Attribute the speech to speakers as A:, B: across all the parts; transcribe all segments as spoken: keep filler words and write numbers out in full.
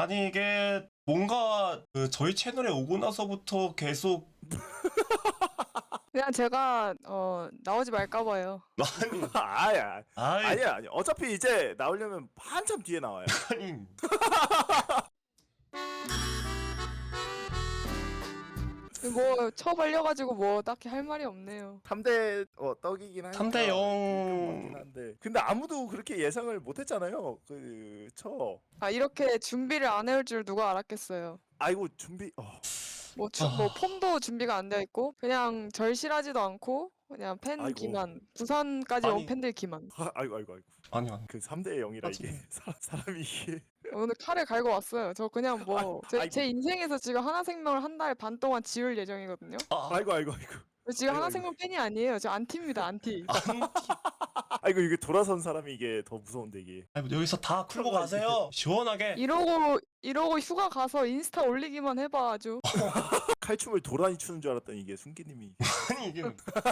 A: 아니 이게 뭔가 그 저희 채널에 오고 나서부터 계속
B: 그냥 제가 어 나오지 말까 봐요.
A: 아니
C: 아야
A: 아이
C: 아니야 아니 어차피 이제 나오려면 한참 뒤에 나와요.
A: 아니
B: 뭐 처발려가지고 뭐 딱히 할 말이 없네요.
C: 삼 대 어, 떡이긴 하니까
A: 삼 대 영.
C: 좀 맞긴 한데 근데 아무도 그렇게 예상을 못했잖아요. 그저
B: 아 이렇게 준비를 안 해올 줄 누가 알았겠어요.
C: 아이고 준비 어.
B: 뭐, 주,
A: 아.
B: 뭐 폼도 준비가 안 되어 있고 그냥 절실하지도 않고 그냥 팬
C: 아이고.
B: 기만 부산까지 온
A: 아니.
B: 팬들 기만.
C: 아, 아이고 아이고 아이고
A: 아니 아니
C: 그 삼 대 영이라
A: 하지
C: 이게 사, 사람이 이게
B: 오늘 칼을 갈고 왔어요. 저 그냥 뭐 제
C: 아이고.
B: 제 인생에서 지금 하나생명을 한 달 반 동안 지울 예정이거든요.
A: 아
C: 아이고 아이고 아이고
B: 저 지금
C: 아이고,
B: 하나생명 팬이 아니에요. 저 안티입니다. 안티.
A: 아니
C: 아이고 이게 돌아선 사람이 이게 더 무서운데 이게
A: 아니, 여기서 다 풀고 가세요 시원하게.
B: 이러고 이러고 휴가 가서 인스타 올리기만 해봐 아주.
C: 칼춤을 도란이 추는 줄 알았더니 이게 순기님이
A: 아니 이게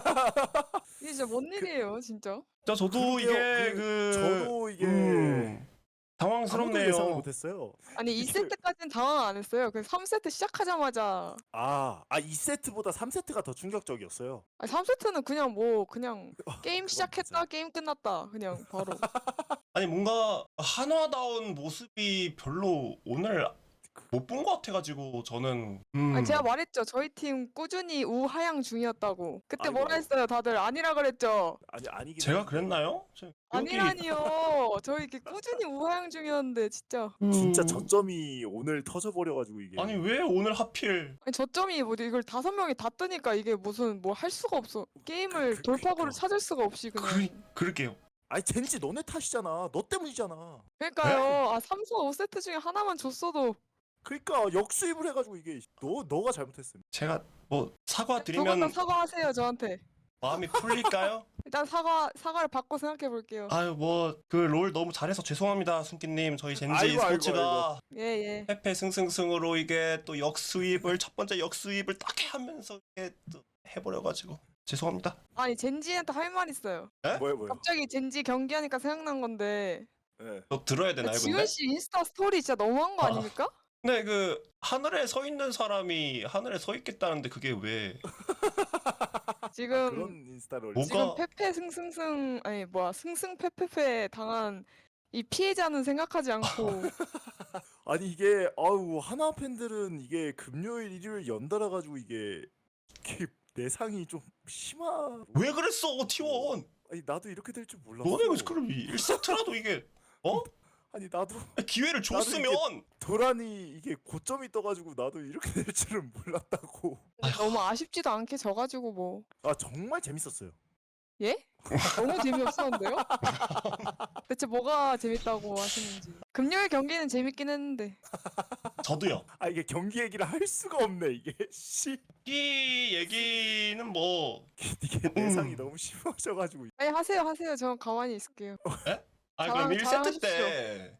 B: 이게 진짜 뭔 일이에요 진짜.
A: 저 저도
C: 그러게요.
A: 이게
C: 그,
A: 그
C: 저도 이게
A: 음,
C: 아무도
A: 당황스럽네요.
C: 예상을 못했어요.
B: 아니 이
C: 이게-
B: 세트까지는 당황 안 했어요. 그 삼 세트 시작하자마자
C: 아, 아 이 세트보다 삼 세트가 더 충격적이었어요.
B: 아니 삼 세트는 그냥 뭐 그냥 게임
C: 그건
B: 시작했다
C: 맞아요.
B: 게임 끝났다 그냥 바로.
A: 아니 뭔가 한화다운 모습이 별로 오늘 못 본 것 같아가지고 저는 음,
B: 아니 제가 말했죠. 저희 팀 꾸준히 우하향 중이었다고. 그때
C: 아이고,
B: 뭐라
C: 아이고.
B: 했어요 다들. 아니라 그랬죠.
C: 아니 아니긴
A: 제가
C: 했는데.
A: 그랬나요? 저- 여기-
B: 아니라니요. 저희 이렇게 꾸준히 우하향 중이었는데 진짜.
C: 진짜
A: 음,
C: 저점이 오늘 터져버려가지고 이게
A: 아니 왜 오늘 하필
B: 아니 저점이 뭐 이걸 다섯 명이 다 뜨니까 이게 무슨 뭐 할 수가 없어. 게임을
C: 그-
B: 돌파구를
C: 그러니까.
B: 찾을 수가 없이 그냥.
A: 그, 그럴게요.
C: 아니 젠지 너네 탓이잖아. 너 때문이잖아.
B: 그러니까요. 아 삼, 사, 오 세트 중에 하나만 줬어도
C: 그러니까 역수입을 해가지고 이게 너 너가 잘못했음.
A: 제가 뭐 사과
B: 두 번 다
A: 드리면
B: 사과하세요 저한테.
A: 마음이 풀릴까요?
B: 일단 사과 사과를 받고 생각해 볼게요.
A: 아유 뭐 그 롤 너무 잘해서 죄송합니다 순기님. 저희 젠지
C: 아이고, 아이고,
A: 스포츠가
B: 예 예.
A: 패패 승승승으로 이게 또 역수입을 첫 번째 역수입을 딱 하면서 이게 또 해버려가지고 죄송합니다.
B: 아니 젠지한테 할 말 있어요.
C: 뭐야 뭐야.
B: 갑자기 젠지 경기하니까 생각난 건데
C: 예.
A: 또 들어야 되나요 근데?
B: 지훈 씨 인스타 스토리 진짜 너무한 거
A: 아.
B: 아닙니까?
A: 근데 그 하늘에 서 있는 사람이 하늘에 서 있겠다는데 그게 왜?
B: 지금
C: 아, 그런 인스타를
A: 뭐-
C: 올리지.
B: 지금
A: 뭐가-
B: 페페 승승승 아니 뭐야 승승페페페 당한 이 피해자는 생각하지 않고
C: 아니 이게 아우 하나 팬들은 이게 금요일 일요일 연달아 가지고 이게 이게 내상이 좀 심하.
A: 왜 그랬어 티원?
C: 아니 나도 이렇게 될 줄 몰랐어.
A: 너네 그 그럼 일 세트라도 이게 어?
C: 아니 나도
A: 기회를 줬으면
C: 도란이 이게 고점이 떠가지고 나도 이렇게 될 줄은 몰랐다고.
B: 너무 아쉽지도 않게 져가지고 뭐
C: 아 정말 재밌었어요.
B: 예? 너무 재미없었는데요? 대체 뭐가 재밌다고 하시는지. 금요일 경기는 재밌긴 했는데
A: 저도요.
C: 아 이게 경기 얘기를 할 수가 없네 이게. 씨
A: 이 얘기는 뭐
C: 이게 내상이
A: 음.
C: 너무 심하셔가지고.
B: 아니 하세요 하세요. 저 가만히 있을게요.
A: 아
B: 자랑-
A: 그럼 일 세트
B: 자랑하십시오.
A: 때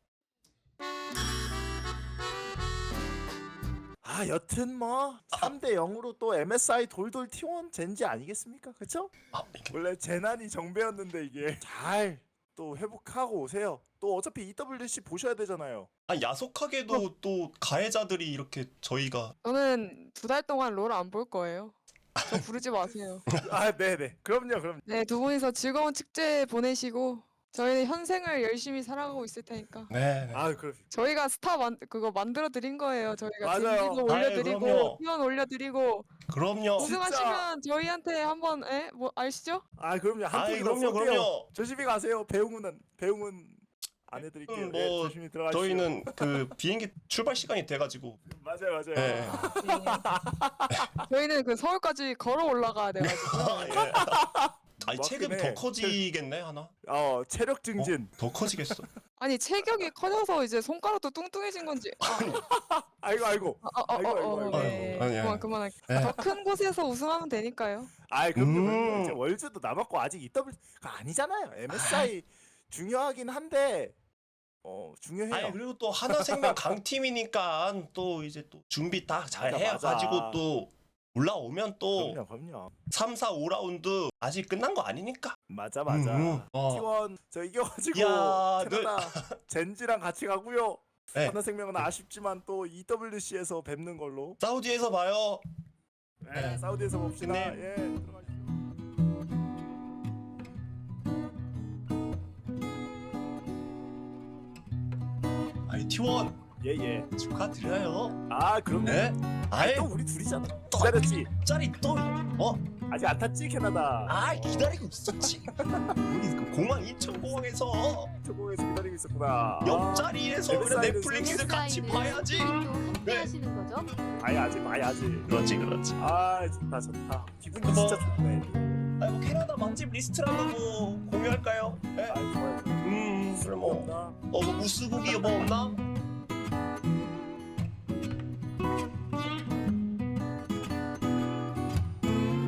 C: 아 여튼 뭐 삼 대 영으로 또 엠에스아이 돌돌 티원 젠지 아니겠습니까? 그쵸?
A: 아, 이게
C: 원래 재난이 정배였는데 이게 잘 또 회복하고 오세요. 또 어차피 이더블유씨 보셔야 되잖아요.
A: 아 야속하게도 또 가해자들이 이렇게 저희가
B: 저는 두 달 동안 롤 안 볼 거예요. 저 부르지 마세요.
C: 아 네네 그럼요 그럼.
B: 네, 두 분이서 즐거운 축제 보내시고 저희는 현생을 열심히 살아가고 있을 테니까.
A: 네. 네.
C: 아 그럼.
B: 저희가 스타 만 그거 만들어 드린 거예요. 저희가
C: 맞아요.
B: 젠지도
A: 아유,
B: 올려드리고
A: 그럼요.
B: 티원 올려드리고
A: 그럼요.
B: 우승하시면 저희한테 한번 에? 뭐 아시죠?
C: 아 그럼요 한
A: 아이
C: 통이라도
A: 그럼요
C: 쏠게요.
A: 그럼요.
C: 조심히 가세요. 배웅은 배웅은 안 해드릴게요.
A: 음,
C: 예,
A: 뭐
C: 조심히 들어가시죠.
A: 저희는 그 비행기 출발 시간이 돼가지고
C: 맞아요 맞아요.
A: 네.
B: 네. 저희는 그 서울까지 걸어 올라가야 돼가지고.
A: 예. 아니
C: 맞긴
A: 체급이
C: 해.
A: 더 커지겠네 하나?
C: 어 체력 증진.
A: 더 커지겠어.
B: 아니 체격이 커져서 이제 손가락도 뚱뚱해진 건지. 아,
C: 아이고 아이고.
B: 아, 아, 아,
C: 아이고,
B: 어,
C: 아이고,
B: 어,
C: 아이고.
B: 네.
A: 아이고. 아니, 아니.
B: 그만 그만할게.
A: 네.
B: 더 큰 곳에서 우승하면 되니까요.
C: 아이 그럼요.
A: 음.
C: 그럼요. 이제 월즈도 남았고 아직 이더블유가 아니잖아요. 엠에스아이 중요하긴 한데 어 중요해요.
A: 아니 그리고 또 하나생명 강팀이니까 또 이제 또 준비 딱 잘
C: 맞아,
A: 해가지고
C: 맞아.
A: 또 올라오면 또
C: 그럼요 그럼요.
A: 삼, 사, 오 라운드 아직 끝난 거 아니니까.
C: 맞아 맞아.
A: 음, 음. 어.
C: 티원 저 이겨가지고
A: 야,
C: 캐나다 젠지랑 같이 가고요.
A: 네.
C: 하나생명은 아쉽지만 또 이더블유씨에서 뵙는 걸로.
A: 사우디에서 봐요.
C: 네,
A: 네.
C: 사우디에서 봅시다.
A: 네.
C: 예, 들어가시죠.
A: 아이 티원
C: 예, 예.
A: 축하드려요.
C: 아, 그럼요.
A: 네? 아이
C: 또 우리 둘이잖아.
A: 또
C: 기다렸지.
A: 짤이 또 어?
C: 아직 안 탔지, 캐나다.
A: 아 기다리고 있었지. 우리 그 공항 인천공항에서
C: 초공에서 기다리고 있었구나.
A: 옆자리에서 그래
C: 웹사이트에서
A: 넷플릭스 같이 봐야지.
D: 또 함께
A: 네.
D: 하시는 거죠?
C: 봐야지, 봐야지.
A: 그렇지 그렇지.
C: 아, 좋다, 좋다. 기분이
A: 그거-
C: 진짜 좋네.
A: 아이고 캐나다 맛집 리스트라도 뭐 공유할까요? 네?
C: 아, 좋아요.
A: 음 그래 뭐
C: 없나?
A: 어, 뭐 무스고기 뭐 없나?